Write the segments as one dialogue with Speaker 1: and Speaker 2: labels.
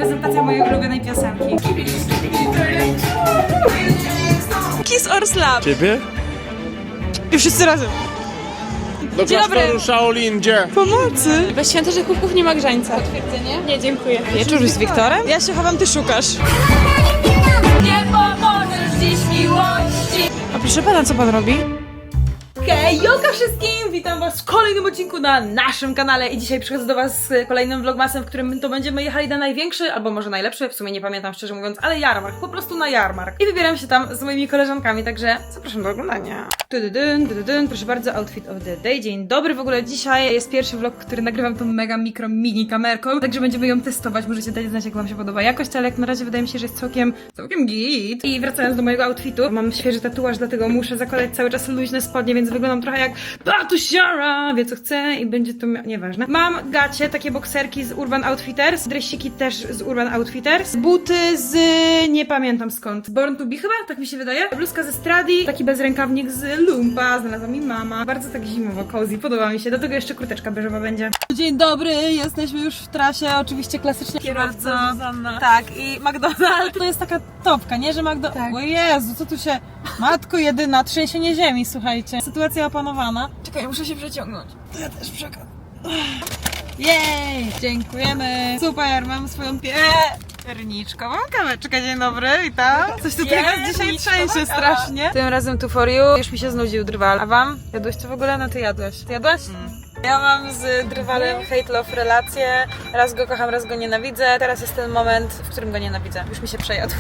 Speaker 1: Prezentacja mojej ulubionej piosenki. Kiss or Slap.
Speaker 2: Ciebie?
Speaker 1: I wszyscy razem.
Speaker 2: Do
Speaker 1: Dzień dobry.
Speaker 2: klasztoru Shaolin, gdzie?
Speaker 1: Pomocy. Bez świętych chłopków nie ma grzańca. Potwierdzenie? Nie, dziękuję. Wieczór z Wiktorem? Ja się chowam, ty szukasz.
Speaker 3: Nie pomożesz dziś miłości.
Speaker 1: A proszę pana, co pan robi? Hej, jolka wszystkim! Witam was w kolejnym odcinku na naszym kanale i dzisiaj przychodzę do was z kolejnym vlogmasem, w którym to będziemy jechali na największy, albo może najlepszy, w sumie nie pamiętam szczerze mówiąc, ale jarmark, po prostu na jarmark. I wybieram się tam z moimi koleżankami, także zapraszam do oglądania. Proszę bardzo, outfit of the day. Dzień dobry, w ogóle dzisiaj jest pierwszy vlog, który nagrywam tą mega mikro mini kamerką, także będziemy ją testować, możecie dać znać, jak wam się podoba jakość, ale jak na razie wydaje mi się, że jest całkiem git. I wracając do mojego outfitu, mam świeży tatuaż, dlatego muszę zakładać cały czas luźne spodnie, więc wyglądam trochę jak Batusiara, wie co chce i będzie to nieważne. Mam gacie, takie bokserki z Urban Outfitters, dresiki też z Urban Outfitters, buty z nie pamiętam skąd, Born to be chyba, tak mi się wydaje, bluzka ze Stradi, taki bezrękawnik z Lumpa, znalazła mi mama, bardzo tak zimowo, cozy, podoba mi się, do tego jeszcze kurteczka beżowa będzie. Dzień dobry, jesteśmy już w trasie, oczywiście klasycznie kierowca Zuzanna. Tak, i McDonald's to jest taka topka, nie, że McDonald's... Tak. O Jezu, co tu się... Matko jedyna, trzęsienie ziemi, słuchajcie. Sytuacja opanowana. Czekaj, muszę się przeciągnąć. To ja też przekam. Jej, dziękujemy. Super, mam swoją pierniczkową kaweczkę. Dzień dobry, witam. Coś tutaj nas dzisiaj trzęsie strasznie. Tym razem tu for you. Już mi się znudził drwal. A wam? Jadłeś to w ogóle? No ty jadłeś. Ty jadłeś? Ja mam z drwalem hate-love relację. Raz go kocham, raz go nienawidzę. Teraz jest ten moment, w którym go nienawidzę. Już mi się przejadł.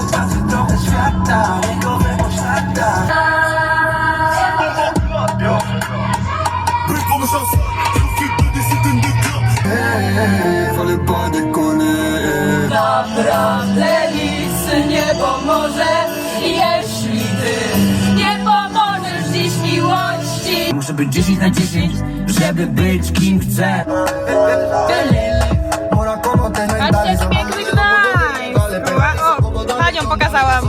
Speaker 3: Naprawdę nic nie pomoże, jeśli ty nie pomożesz dziś miłości.
Speaker 4: Muszę być 10 na 10, żeby być kim chcę.
Speaker 1: Patrzcie, jaki piękny Gdańsk! O, panią pokazałam.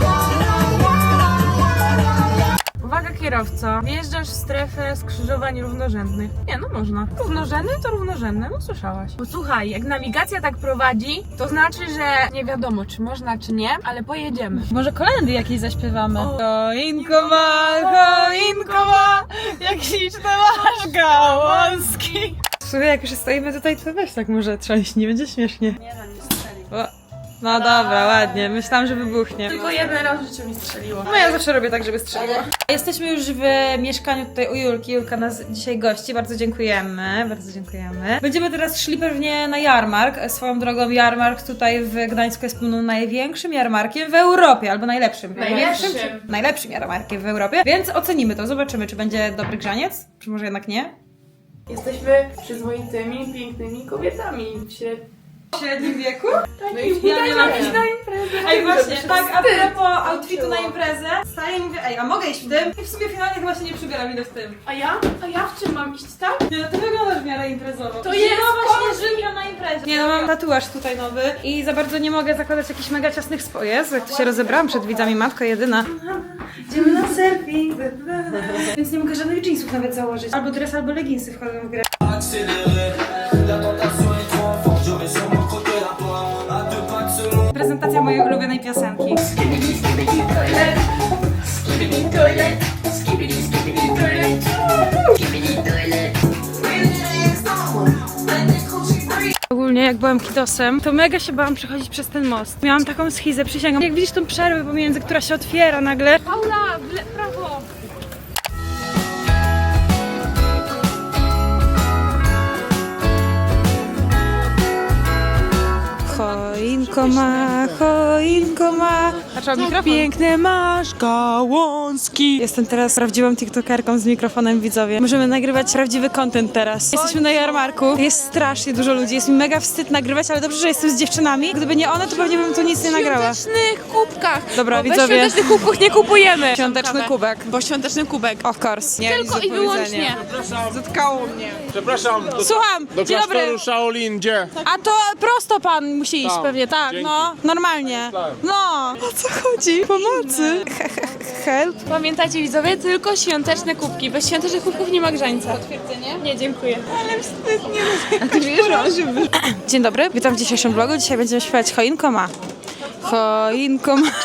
Speaker 1: Uwaga kierowco, wjeżdżasz w strefę skrzyżowań równorzędnych. Nie, no można. Równorzędny to równorzędne, no słyszałaś. Posłuchaj, jak nawigacja tak prowadzi, to znaczy, że nie wiadomo, czy można, czy nie, ale pojedziemy. Może kolędy jakieś zaśpiewamy. Choinko ma, jak śliczne masz gałązki. Słuchaj, jak już stoimy tutaj, to weź tak może trząść, nie będzie śmiesznie. Nie, no nie strzeli. No dobra, ładnie. Myślałam, że wybuchnie.
Speaker 3: Tylko jeden raz w życiu mi strzeliło.
Speaker 1: No ja zawsze robię tak, żeby strzeliło. Jesteśmy już w mieszkaniu tutaj u Julki. Julka nas dzisiaj gości. Bardzo dziękujemy. Bardzo dziękujemy. Będziemy teraz szli pewnie na jarmark. Swoją drogą jarmark tutaj w Gdańsku jest pewno największym jarmarkiem w Europie. Albo najlepszym. Najlepszym jarmarkiem w Europie. Więc ocenimy to. Zobaczymy, czy będzie dobry grzaniec. Czy może jednak nie.
Speaker 5: Jesteśmy przyzwoitymi, pięknymi kobietami w
Speaker 1: średnim wieku?
Speaker 5: No i
Speaker 1: Ja nie mam
Speaker 5: iść na imprezę.
Speaker 1: Ej, właśnie, tak, a propos outfitu na imprezę, staję i mówię, ej, a mogę iść w tym? I w sumie finalnie chyba się nie przybieram, idę w tym.
Speaker 5: A ja w czym mam iść, tak?
Speaker 1: Nie, no ty wyglądasz w miarę imprezowo.
Speaker 5: To jest
Speaker 1: śnieżynka na imprezie. Nie, no mam tatuaż tutaj nowy i za bardzo nie mogę zakładać jakichś mega ciasnych spodni. Jezu, jak to się rozebrałam przed widzami, matko jedyna. Idziemy na selfie. Więc nie mogę żadnych jeansów nawet założyć. Albo dres, albo leginsy wchodzą w grę. Prezentacja mojej ulubionej piosenki. Ogólnie jak byłam kidosem, to mega się bałam przechodzić przez ten most. Miałam taką schizę, przysięgam. Jak widzisz tą przerwę pomiędzy, która się otwiera nagle.
Speaker 5: Paula, prawo!
Speaker 1: Choinko ma, tak piękne masz gałązki. Jestem teraz prawdziwą tiktokerką z mikrofonem, widzowie. Możemy nagrywać prawdziwy content teraz. Jesteśmy na jarmarku, jest strasznie dużo ludzi, jest mi mega wstyd nagrywać, ale dobrze, że jestem z dziewczynami. Gdyby nie one, to pewnie bym tu nic nie nagrała.
Speaker 5: W świątecznych kubkach!
Speaker 1: Dobra,
Speaker 5: bo
Speaker 1: widzowie.
Speaker 5: Bez świątecznych kubków nie kupujemy!
Speaker 1: Świąteczny kubek.
Speaker 5: Bo świąteczny kubek.
Speaker 1: Of course. Nie,
Speaker 5: Tylko i wyłącznie.
Speaker 1: Zatkało mnie.
Speaker 2: Przepraszam,
Speaker 1: Słucham,
Speaker 2: do
Speaker 1: dzień dobry.
Speaker 2: klasztoru Shaolin, gdzie?
Speaker 1: A to prosto pan musi iść
Speaker 2: Tam.
Speaker 1: pewnie, tak,
Speaker 2: Dzięki.
Speaker 1: no, normalnie. No, o co chodzi? Pomocy.
Speaker 6: help.
Speaker 5: Pamiętajcie widzowie, tylko świąteczne kubki. Bez świątecznych kubków nie ma grzańca. Potwierdzenie? Nie, dziękuję. Ale wstyd, nie.
Speaker 6: A ty wiesz, Dzień dobry, witam w dzisiejszym vlogu. Dzisiaj będziemy śpiewać Choinko ma. Choinko ma.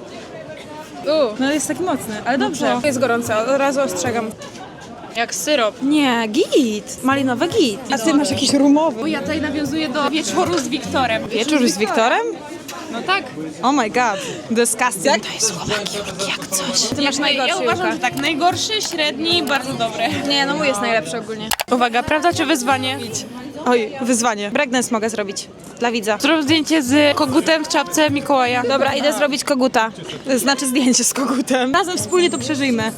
Speaker 6: No jest taki mocny, ale dobrze. Jest gorąco, od razu ostrzegam.
Speaker 5: Jak syrop.
Speaker 6: Nie, git. Malinowy git. A ty masz jakiś rumowy.
Speaker 5: Bo ja tutaj nawiązuję do wieczoru z Wiktorem.
Speaker 6: Wieczór z Wiktorem?
Speaker 5: No tak.
Speaker 6: Oh my god, disgusting. To jest chłopaki, jak coś. Ty masz najgorszy,
Speaker 5: Ja uważam,
Speaker 6: Julka.
Speaker 5: że tak. Najgorszy, średni, bardzo dobry.
Speaker 6: Nie, no mój jest najlepszy ogólnie.
Speaker 5: Uwaga, prawda czy wyzwanie?
Speaker 6: Oj, wyzwanie. Breakdance mogę zrobić. Dla widza.
Speaker 5: Zrób zdjęcie z kogutem w czapce Mikołaja.
Speaker 6: Dobra, idę zrobić koguta. Znaczy zdjęcie z kogutem. Razem wspólnie to przeżyjmy.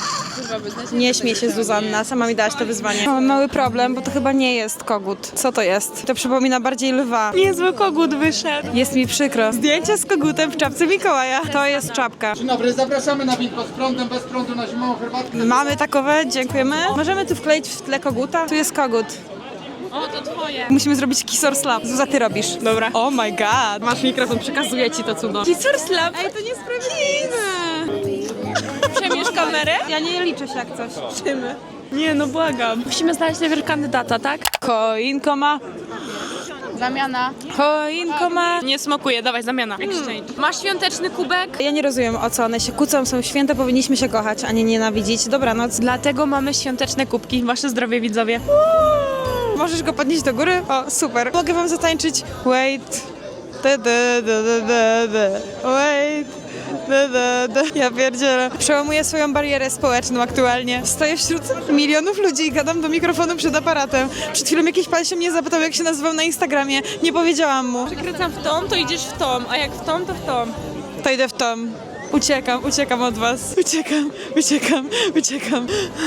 Speaker 6: Nie śmiej się, Zuzanna. Sama mi dałaś to wyzwanie. Mam mały problem, bo to chyba nie jest kogut. Co to jest? To przypomina bardziej lwa.
Speaker 5: Niezły kogut wyszedł.
Speaker 6: Jest mi przykro. Zdjęcie z kogutem w czapce Mikołaja. To jest czapka.
Speaker 2: Dzień dobry, zapraszamy na winko z prądem, bez prądu na zimową herbatkę.
Speaker 6: Mamy takowe, dziękujemy. Możemy tu wkleić w tle koguta? Tu jest kogut.
Speaker 5: O, to twoje.
Speaker 6: Musimy zrobić kisor slap. Zuza, ty robisz.
Speaker 5: Dobra.
Speaker 6: Oh my god. Masz mikrofon, przekazuję ci to cudo.
Speaker 5: Kisur slap.
Speaker 6: Ej, to niesprawiedliwe.
Speaker 5: Przemierz kamerę?
Speaker 6: Ja nie liczę się jak coś.
Speaker 5: Nie, no błagam. Musimy znaleźć najpierw kandydata, tak?
Speaker 6: Choinko ma.
Speaker 5: Zamiana.
Speaker 6: Choinko ma.
Speaker 5: Nie smakuje, dawaj, zamiana. Exchange. Masz świąteczny kubek?
Speaker 6: Ja nie rozumiem, o co one się kłócą. Są święte, powinniśmy się kochać, a nie nienawidzić. Dobranoc.
Speaker 5: Dlatego mamy świąteczne kubki. Wasze zdrowie, widzowie.
Speaker 6: Możesz go podnieść do góry? O, super. Mogę wam zatańczyć. Wait. Da, da, da, da, da, da. Wait. Da, da, da. Ja pierdzielę. Przełamuję swoją barierę społeczną aktualnie. Stoję wśród milionów ludzi i gadam do mikrofonu przed aparatem. Przed chwilą jakiś pan się mnie zapytał, jak się nazywał na Instagramie. Nie powiedziałam mu.
Speaker 5: Kręcam w tą, to idziesz w tą, a jak w tą, to w tą.
Speaker 6: To idę w tom. Uciekam od was. Uciekam.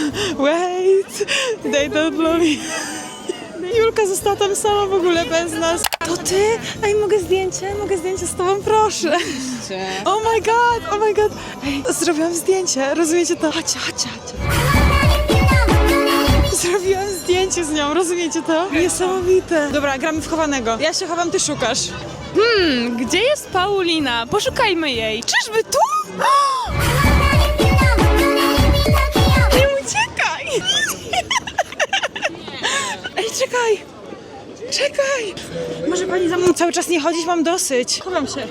Speaker 6: Wait. They don't love me. Julka została tam sama w ogóle bez nas. To ty? Ej, mogę zdjęcie z tobą, proszę. Oh my god. Ej, zrobiłam zdjęcie, rozumiecie to? Chodźcie. Zrobiłam zdjęcie z nią, rozumiecie to? Niesamowite. Dobra, gramy w chowanego. Ja się chowam, ty szukasz.
Speaker 5: Gdzie jest Paulina? Poszukajmy jej.
Speaker 6: Czyżby tu? Nie uciekaj! Ej, czekaj! Może pani za mną cały czas nie chodzić? Mam dosyć. Chowam się.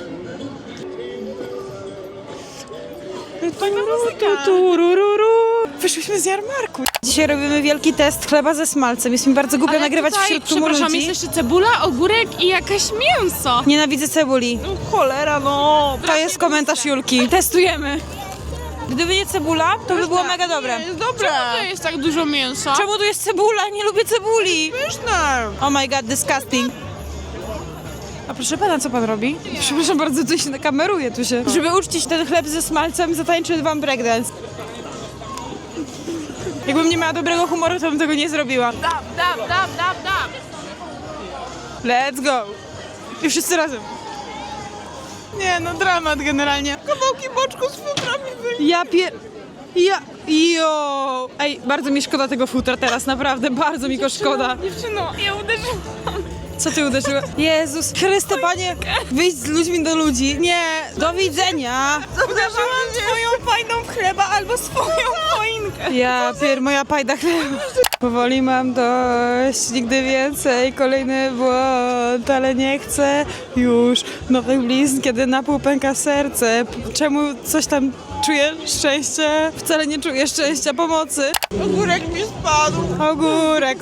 Speaker 6: Wyszłyśmy z jarmarku. Dzisiaj robimy wielki test chleba ze smalcem. Jest mi bardzo głupio nagrywać wśród tłumu
Speaker 5: przepraszam,
Speaker 6: ludzi.
Speaker 5: jest jeszcze cebula, ogórek i jakieś mięso.
Speaker 6: Nienawidzę cebuli.
Speaker 5: Cholera, no.
Speaker 6: To jest komentarz Julki. Testujemy. Gdyby nie cebula, to by było mega dobre.
Speaker 5: Dobre. Czemu to jest tak dużo mięsa?
Speaker 6: Czemu tu jest cebula? Nie lubię cebuli. Pyszne. Oh my god, disgusting. A proszę pana, co pan robi? Przepraszam bardzo, tu się kameruje tu się. Żeby uczcić ten chleb ze smalcem, zatańczył wam breakdance. Jakbym nie miała dobrego humoru, to bym tego nie zrobiła.
Speaker 5: Dab.
Speaker 6: Let's go. I wszyscy razem. Nie no, dramat generalnie. Kawałki boczku z futrami byli. Jo. Ej, bardzo mi szkoda tego futra teraz, naprawdę, bardzo mi go szkoda.
Speaker 5: Dziewczyno, ja uderzyłam.
Speaker 6: Co ty uderzyłeś? Jezus Chryste, Panie, wyjdź z ludźmi do ludzi. Nie, do widzenia.
Speaker 5: Uderzyłam twoją fajną chleba albo swoją choinkę.
Speaker 6: Ja moja pajda chleba. Powoli mam dość, nigdy więcej, kolejny błąd, ale nie chcę już nowych blizn, kiedy na pół pęka serce. Czemu coś tam czuję szczęście? Wcale nie czuję szczęścia, pomocy. Ogórek mi spadł. Ogórek.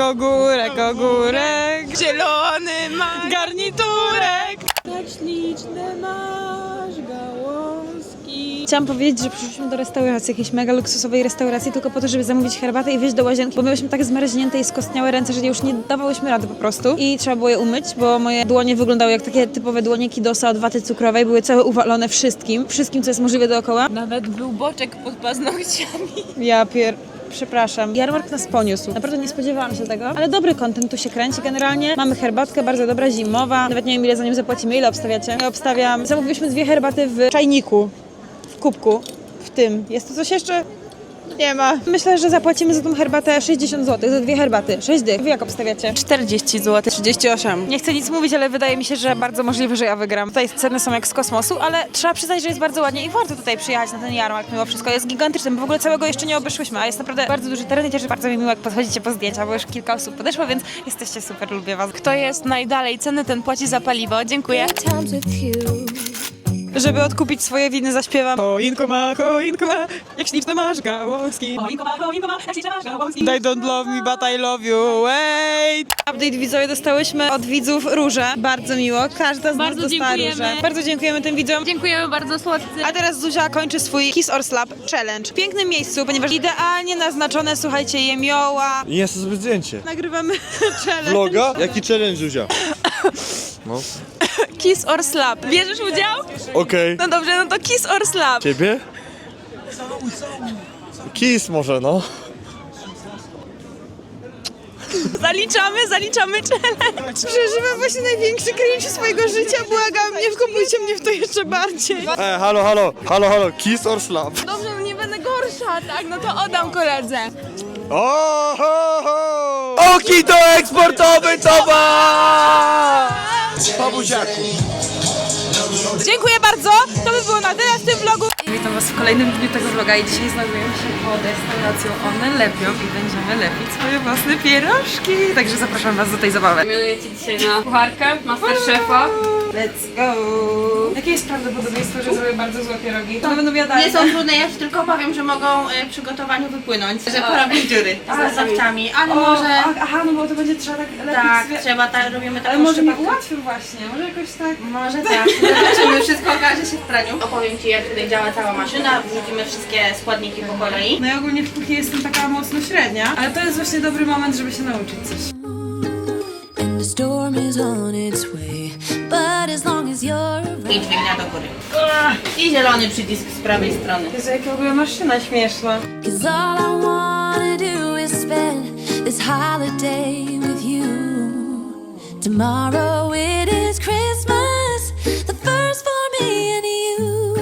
Speaker 5: Zielony ma
Speaker 6: Garniturek.
Speaker 5: tak śliczne masz gałązki.
Speaker 6: Chciałam powiedzieć, że przyszliśmy do restauracji, jakiejś mega luksusowej restauracji, tylko po to, żeby zamówić herbatę i wyjść do łazienki, bo byłyśmy tak zmarznięte i skostniałe ręce, że już nie dawałyśmy rady po prostu. I trzeba było je umyć, bo moje dłonie wyglądały jak takie typowe dłonie kidosa od waty cukrowej, były całe uwalone wszystkim, co jest możliwe dookoła.
Speaker 5: Nawet był boczek pod paznokciami.
Speaker 6: Przepraszam. Jarmark nas poniósł. Naprawdę nie spodziewałam się tego, ale dobry content tu się kręci generalnie. Mamy herbatkę, bardzo dobra, zimowa. Nawet nie wiem, ile za nią zapłacimy. Ile obstawiacie? Ja obstawiam. Zamówiliśmy 2 herbaty w czajniku, w kubku, w tym. Jest tu coś jeszcze? Nie ma. Myślę, że zapłacimy za tą herbatę 60 zł, za 2 herbaty. 6 dych. Wy jak obstawiacie?
Speaker 5: 40 zł.
Speaker 6: 38. Nie chcę nic mówić, ale wydaje mi się, że bardzo możliwe, że ja wygram. Tutaj ceny są jak z kosmosu, ale trzeba przyznać, że jest bardzo ładnie i warto tutaj przyjechać na ten jarmark mimo wszystko. Jest gigantyczny, bo w ogóle całego jeszcze nie obeszłyśmy, a jest naprawdę bardzo duży teren i też bardzo mi miło, jak podchodzicie po zdjęcia, bo już kilka osób podeszło, więc jesteście super, lubię was.
Speaker 5: Kto jest najdalej ceny, ten płaci za paliwo. Dziękuję.
Speaker 6: Żeby odkupić swoje winy, zaśpiewam. Choinko ma, jak śliczne masz gałązki. Choinko ma, jak śliczne masz gałązki. They don't love me, but I love you, wait. Update widzowie, dostałyśmy od widzów róże. Bardzo miło, każda z nas
Speaker 5: Bardzo
Speaker 6: dostała
Speaker 5: dziękujemy.
Speaker 6: różę. Bardzo dziękujemy tym widzom.
Speaker 5: Dziękujemy bardzo, słodcy.
Speaker 6: A teraz Zuzia kończy swój Kiss or Slap Challenge. W pięknym miejscu, ponieważ idealnie naznaczone, słuchajcie, jemioła.
Speaker 7: Jest to sobie zdjęcie.
Speaker 6: Nagrywamy challenge.
Speaker 7: Vloga? Jaki challenge, Zuzia? No.
Speaker 5: Kiss or slap. Bierzesz udział?
Speaker 7: Okej.
Speaker 5: No dobrze, no to kiss or slap.
Speaker 7: Ciebie? Kiss może, no.
Speaker 5: Zaliczamy challenge.
Speaker 6: Przeżywam właśnie największy cringe swojego życia, błagam, nie wkopujcie mnie w to jeszcze bardziej.
Speaker 7: Halo, kiss or slap?
Speaker 5: Dobrze, no nie będę gorsza, tak? No to oddam koledze.
Speaker 7: Oki to eksportowy towar! Po buziaku.
Speaker 6: Dziękuję bardzo, to by było na tyle w tym vlogu.
Speaker 1: Witam was w kolejnym dniu tego vloga i dzisiaj znajdujemy się pod restauracją One Lepią i będziemy lepić swoje własne pierożki. Także zapraszam was do tej zabawy.
Speaker 3: Mianujecie dzisiaj na kucharkę Masterchefa.
Speaker 1: Let's go! Jakie jest prawdopodobieństwo, że zrobię bardzo złe pierogi? To będą jadalne.
Speaker 3: Nie są trudne, ja ci tylko powiem, że mogą przy gotowaniu wypłynąć, że porobić dziury z nastawcami, ale może...
Speaker 1: Aha, no bo to będzie trzeba tak lepić
Speaker 3: Tak,
Speaker 1: sobie.
Speaker 3: trzeba tak, robimy taką
Speaker 1: Ale może mi
Speaker 3: szczepawkę.
Speaker 1: ułatwią właśnie, może jakoś tak...
Speaker 3: Może tak, zobaczymy, wszystko okaże się w praniu. Opowiem ci, jak tutaj działa cała maszyna, wrzucimy wszystkie składniki po kolei.
Speaker 1: No ja ogólnie w kuchni jestem taka mocno średnia, ale to jest właśnie dobry moment, żeby się nauczyć coś.
Speaker 8: And the storm is on its way. But as long as you're
Speaker 3: I dźwignia do góry. I zielony przycisk z prawej strony.
Speaker 1: Jezu, jaka w ogóle maszyna śmieszna.
Speaker 8: Cause all I wanna do is spend this holiday with you. Tomorrow it is Christmas, the first for me and you.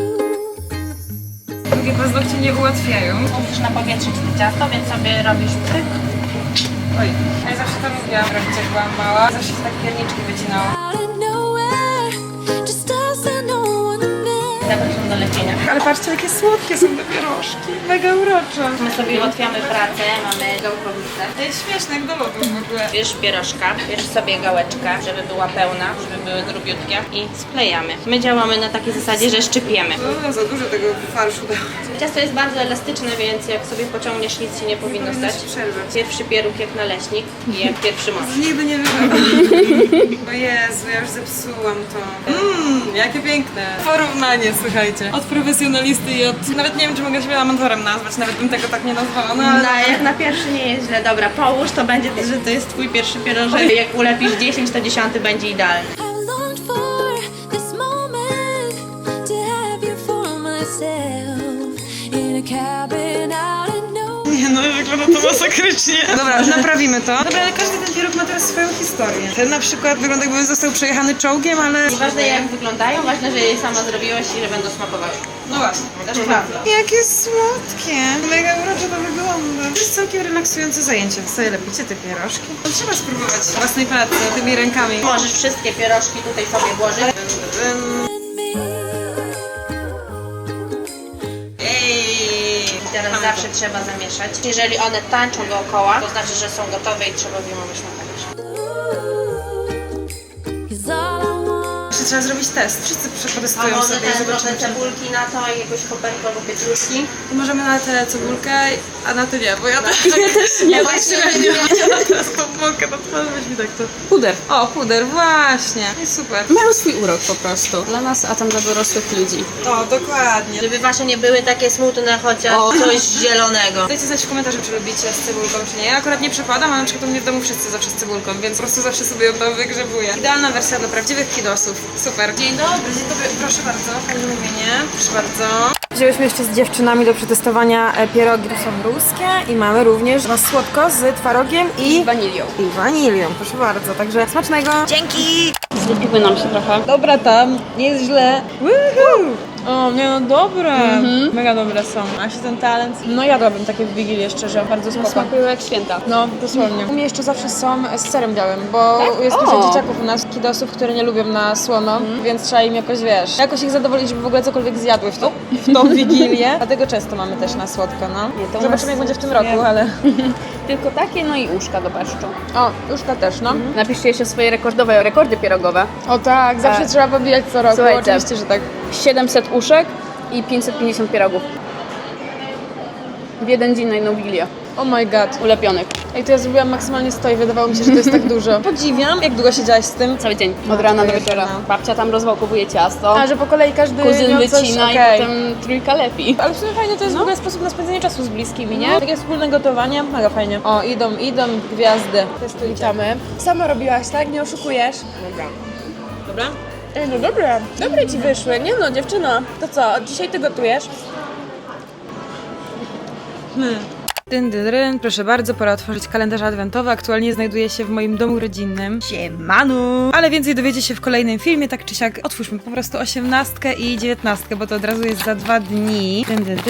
Speaker 1: Drugie paznokcie nie ułatwiają.
Speaker 3: Musisz napowietrzyć to ciasto, więc sobie robisz pyk.
Speaker 1: Oj, ja zawsze to lubiłam robić, jak byłam mała. Zawsze się tak pierniczki wycinało.
Speaker 8: Out of nowhere, just us and no one there.
Speaker 3: Zapraszam do lepienia.
Speaker 1: Ale patrzcie, jakie słodkie są te pierożki. Mega urocze.
Speaker 3: My sobie ułatwiamy pracę, mamy gałkownicę.
Speaker 1: To jest śmieszne, jak do lodu w ogóle.
Speaker 3: Bierz pierożka, bierz sobie gałeczkę, żeby była pełna, żeby były grubiutkie i sklejamy. My działamy na takiej zasadzie, że szczypiemy.
Speaker 1: No, za dużo tego farszu dało.
Speaker 3: Ciasto jest bardzo elastyczne, więc jak sobie pociągniesz, nic się nie powinno stać.
Speaker 1: przerwać.
Speaker 3: Pierwszy pieróg jak naleśnik i jak pierwszy most.
Speaker 1: Nigdy nie wygląda. O Jezu, ja już zepsułam to. Jakie piękne. Porównanie, słuchajcie. Od profesjonalisty i od... Nawet nie wiem, czy mogę siebie amatorem nazwać, nawet bym tego tak nie nazwała, no ale...
Speaker 3: No, jak na pierwszy nie jest źle. Dobra, połóż, to będzie, że to jest twój pierwszy pierożek. Jak ulepisz 10, to 10 będzie idealny.
Speaker 8: I've longed for this moment to have you for myself in a cabin out in nowhere.
Speaker 6: Nie no, wygląda to masakrycznie. Dobra, naprawimy to. Dobra, ale każdy ten pieróg ma teraz swoją historię. Ten na przykład wygląda, jakby został przejechany czołgiem, ale...
Speaker 3: Nieważne jak wyglądają, ważne, że je sama zrobiłaś i że będą smakowały.
Speaker 1: No właśnie.
Speaker 3: Też prawda.
Speaker 6: Jakie słodkie. Mega urocze to wygląda. To jest całkiem relaksujące zajęcie. Sobie lepicie te pierożki. No, trzeba spróbować własnej pracy tymi rękami.
Speaker 3: Możesz wszystkie pierożki tutaj sobie włożyć. I teraz zawsze trzeba zamieszać. Jeżeli one tańczą dookoła, to znaczy, że są gotowe i trzeba wyjmować na talerz.
Speaker 8: Cause all I want
Speaker 6: Jeszcze trzeba zrobić test. Wszyscy
Speaker 3: A
Speaker 6: przetestują
Speaker 3: może
Speaker 6: sobie i
Speaker 3: trochę
Speaker 6: zobaczymy, czy...
Speaker 3: cebulki na to i jakąś koperkę albo pietruszki.
Speaker 1: To możemy na tę cebulkę, a na ty nie, bo ja też
Speaker 3: Nie, właśnie nie wiem.
Speaker 1: teraz pomogę, no to weź mi tak to. Puder. O, puder, właśnie. I super.
Speaker 9: Mają swój urok po prostu. Dla nas, a tam dla dorosłych ludzi.
Speaker 6: O, dokładnie.
Speaker 3: Żeby wasze nie były takie smutne, chociaż coś zielonego.
Speaker 1: Dajcie znać w komentarzu, czy lubicie z cebulką, czy nie. Ja akurat nie przepadam, a na przykład u mnie w domu wszyscy zawsze z cebulką, więc po prostu zawsze sobie ją tam wygrzebuję. Idealna wersja dla prawdziwych kidosów. Super. Dzień dobry, proszę bardzo. Pani mówienie, proszę bardzo. Wzięłyśmy jeszcze z dziewczynami do przetestowania pierogi, to są ruskie i mamy również na słodko z twarogiem i
Speaker 9: Wanilią.
Speaker 1: wanilią, proszę bardzo. Także smacznego. Dzięki!
Speaker 9: Zlepiły nam się trochę.
Speaker 1: Dobra tam, nie jest źle. Woohoo!
Speaker 6: O, nie no, dobre. Mega dobre są. A się ten talent? No jadłabym takie w Wigilię szczerze, bardzo spoko.
Speaker 9: Smakują jak święta.
Speaker 6: No, dosłownie. U mnie jeszcze zawsze są z serem białym, bo jest dużo dzieciaków u nas, kidosów, które nie lubią na słono, więc trzeba im jakoś, wiesz, jakoś ich zadowolić, żeby w ogóle cokolwiek zjadły w tą Wigilię. Dlatego często mamy też na słodko, no.
Speaker 9: Nie, to u
Speaker 6: Zobaczymy, jak
Speaker 9: nas
Speaker 6: będzie w tym roku, ale...
Speaker 9: Tylko takie, no i uszka do paszczu.
Speaker 6: O, uszka też, no.
Speaker 9: Napiszcie jeszcze swoje rekordy pierogowe.
Speaker 6: O tak, zawsze trzeba pobijać co roku,
Speaker 9: Słuchajcie.
Speaker 6: oczywiście, że tak.
Speaker 9: 700 uszek i 550 pierogów. W jeden dzień na jedną Wigilię.
Speaker 6: Oh my god.
Speaker 9: Ulepionych.
Speaker 6: Ej, to ja zrobiłam maksymalnie 100 i wydawało mi się, że to jest tak dużo. Podziwiam, jak długo siedziałaś z tym.
Speaker 9: Cały dzień.
Speaker 6: No,
Speaker 9: Od rana
Speaker 6: to
Speaker 9: do
Speaker 6: jest
Speaker 9: wieczora.
Speaker 6: no.
Speaker 9: Babcia tam rozwałkowuje ciasto.
Speaker 6: A, że po kolei każdy
Speaker 9: Kuzyn
Speaker 6: miał coś,
Speaker 9: wycina
Speaker 6: okej.
Speaker 9: i potem trójka lepi.
Speaker 6: Ale w sumie fajne to jest w ogóle sposób na spędzenie czasu z bliskimi, nie? Takie wspólne gotowanie, mega fajnie. O, idą gwiazdy. Witamy. Sama robiłaś, tak? Nie oszukujesz? Dobra. Ej, no dobre. Dobre ci wyszły. Nie no, dziewczyno. To co, od dzisiaj ty gotujesz? Proszę bardzo, pora otworzyć kalendarz adwentowy. Aktualnie znajduje się w moim domu rodzinnym. Siemanu! Ale więcej dowiecie się w kolejnym filmie, tak czy siak. Otwórzmy po prostu 18 i 19, bo to od razu jest za 2 dni.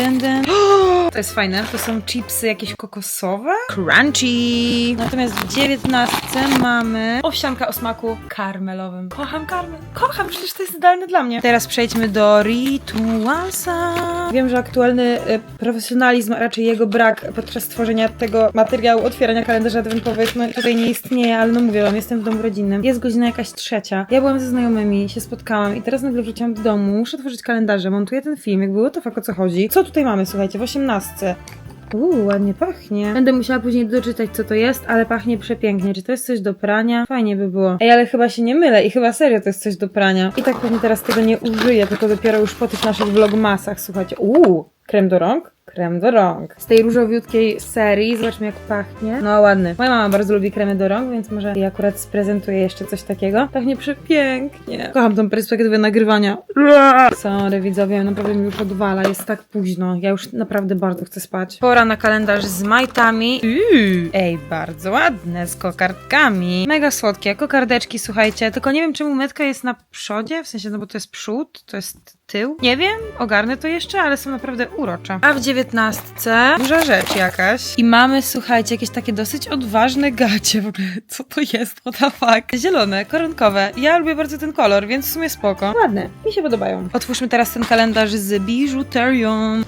Speaker 6: To jest fajne. To są chipsy jakieś kokosowe. Crunchy! Natomiast w 19 mamy owsianka o smaku karmelowym. Kocham karmel. Kocham, przecież to jest idealne dla mnie. Teraz przejdźmy do Ritualsa. Wiem, że aktualny profesjonalizm, a raczej jego brak podczas tworzenia tego materiału, otwierania kalendarzy adwentowych, no tutaj nie istnieje, ale no mówię wam, jestem w domu rodzinnym. Jest godzina jakaś 3. Ja byłam ze znajomymi, się spotkałam i teraz nagle wróciłam do domu, muszę tworzyć kalendarze, montuję ten film, jakby to fakt o co chodzi. Co tutaj mamy, słuchajcie, w 18. Ładnie pachnie. Będę musiała później doczytać, co to jest, ale pachnie przepięknie. Czy to jest coś do prania? Fajnie by było. Ej, ale chyba się nie mylę i chyba serio to jest coś do prania. I tak pewnie teraz tego nie użyję, tylko dopiero już po tych naszych vlogmasach, słuchajcie. Krem do rąk? Krem do rąk. Z tej różowiutkiej serii. Zobaczmy, jak pachnie. No ładny. Moja mama bardzo lubi kremy do rąk, więc może ja akurat sprezentuję jeszcze coś takiego. Pachnie przepięknie. Kocham tą perspektywę nagrywania. Sorry widzowie, naprawdę mi już odwala. Jest tak późno. Ja już naprawdę bardzo chcę spać. Pora na kalendarz z majtami. Ej, bardzo ładne. Z kokardkami. Mega słodkie. Kokardeczki, słuchajcie. Tylko nie wiem, czemu metka jest na przodzie. W sensie, no bo to jest przód, to jest tył. Nie wiem, ogarnę to jeszcze, ale są naprawdę urocze. A w 19 duża rzecz jakaś. I mamy, słuchajcie, jakieś takie dosyć odważne gacie. W ogóle, co to jest? What the fuck? Zielone, koronkowe. Ja lubię bardzo ten kolor, więc w sumie spoko. Ładne. Mi się podobają. Otwórzmy teraz ten kalendarz z biżuterią.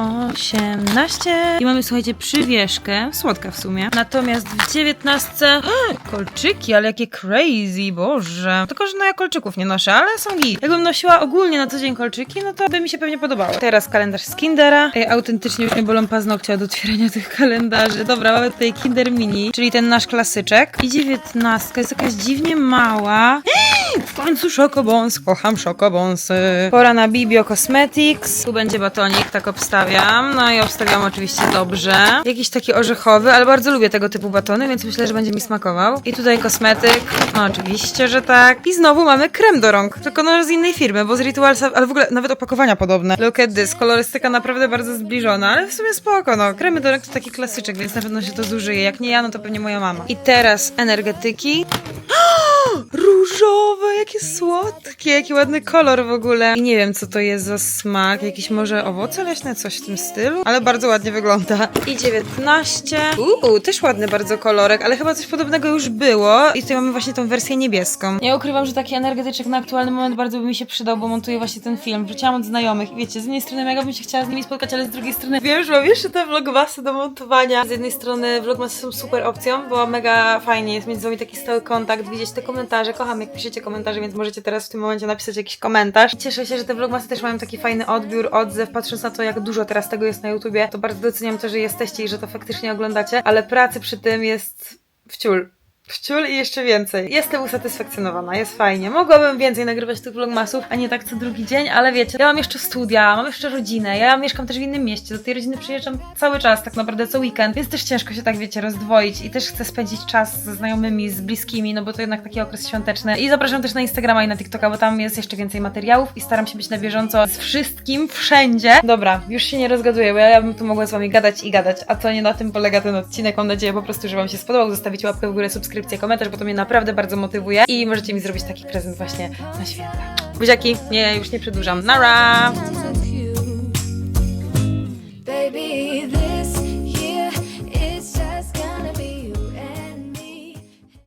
Speaker 6: 18. I mamy, słuchajcie, przywieszkę. Słodka w sumie. Natomiast w 19 kolczyki, ale jakie crazy, boże. Tylko, że no ja kolczyków nie noszę, ale są git. Jakbym nosiła ogólnie na co dzień kolczyki, no to by mi się pewnie podobało. Teraz kalendarz z Kindera. Autentycznie już mnie bolą paznokcie od otwierania tych kalendarzy. Dobra, mamy tutaj Kinder Mini, czyli ten nasz klasyczek. I 19 jest jakaś dziwnie mała. W końcu Schokobons. Kocham Schokobonsy. Pora na Bibio Cosmetics. Tu będzie batonik, tak obstawiam. No i obstawiam oczywiście dobrze. Jakiś taki orzechowy, ale bardzo lubię tego typu batony, więc myślę, że będzie mi smakował. I tutaj kosmetyk. No oczywiście, że tak. I znowu mamy krem do rąk. Tylko no z innej firmy, bo z Ritualsa, ale w ogóle nawet opakowania podobne. Look at this. Kolorystyka naprawdę bardzo zbliżona, ale w sumie spoko, no. Kremy do rąk to taki klasyczek, więc na pewno się to zużyje. Jak nie ja, no to pewnie moja mama. I teraz energetyki. Różowe, jakie słodkie, jaki ładny kolor w ogóle. I nie wiem, co to jest za smak. Jakieś może owoce leśne, coś w tym stylu, ale bardzo ładnie wygląda. I 19. Też ładny bardzo kolorek, ale chyba coś podobnego już było. I tutaj mamy właśnie tą wersję niebieską. Ja ukrywam, że taki energetyczek na aktualny moment bardzo by mi się przydał, bo montuję właśnie ten film. Wróciłam od znajomych i wiecie, z jednej strony mega bym się chciała z nimi spotkać, ale z drugiej strony wiem, że mam jeszcze te vlogmasy do montowania. Z jednej strony vlogmasy są super opcją, bo mega fajnie jest mieć z wami taki stały kontakt, widzieć te komentarze. Kocham, jak piszecie komentarze, więc możecie teraz w tym momencie napisać jakiś komentarz. Cieszę się, że te vlogmasy też mają taki fajny odbiór, odzew. Patrząc na to, jak dużo teraz tego jest na YouTubie, to bardzo doceniam to, że jesteście i że to faktycznie oglądacie, ale pracy przy tym jest wciul i jeszcze więcej. Jestem usatysfakcjonowana, jest fajnie. Mogłabym więcej nagrywać tych vlogmasów, a nie tak co drugi dzień, ale wiecie, ja mam jeszcze studia, mam jeszcze rodzinę, ja mieszkam też w innym mieście, do tej rodziny przyjeżdżam cały czas, tak naprawdę co weekend, więc też ciężko się tak, wiecie, rozdwoić i też chcę spędzić czas ze znajomymi, z bliskimi, no bo to jednak taki okres świąteczny. I zapraszam też na Instagrama i na TikToka, bo tam jest jeszcze więcej materiałów i staram się być na bieżąco z wszystkim, wszędzie. Dobra, już się nie rozgaduję, bo ja bym tu mogła z wami gadać i gadać, a to nie na tym polega ten odcinek. Mam nadzieję po prostu, że wam się spodobał, zostawicie łapkę w górę, subskrypcję, komentarz, bo to mnie naprawdę bardzo motywuje i możecie mi zrobić taki prezent właśnie na święta. Buziaki, nie, już nie przedłużam. Nara!